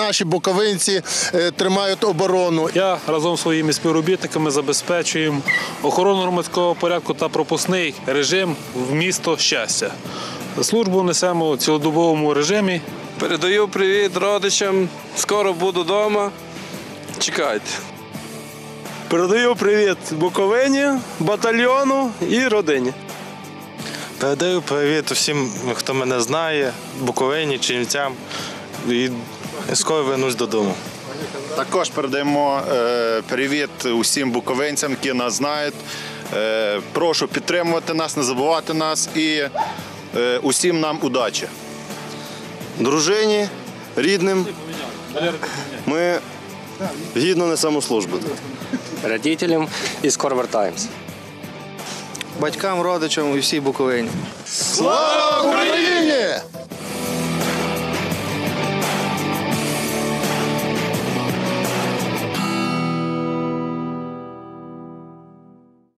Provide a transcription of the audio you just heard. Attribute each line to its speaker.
Speaker 1: наші буковинці тримають оборону.
Speaker 2: Я разом зі своїми співробітниками забезпечуємо охорону громадського порядку та пропускний режим в місто Щастя. Службу несемо у цілодобовому режимі.
Speaker 3: Передаю привіт родичам, скоро буду вдома, чекайте.
Speaker 4: Передаю привіт Буковині, батальйону і родині.
Speaker 5: Передаю привіт усім, хто мене знає, Буковині, Чернівцям, і скоро вернусь додому.
Speaker 6: Також передаємо привіт усім буковинцям, які нас знають. Прошу підтримувати нас, не забувати нас і усім нам удачі.
Speaker 7: Дружині, рідним ми гідно несемо службу.
Speaker 8: Родителям і скоро вертаємося.
Speaker 4: Батькам, родичам і всій Буковині.
Speaker 1: Слава Україні!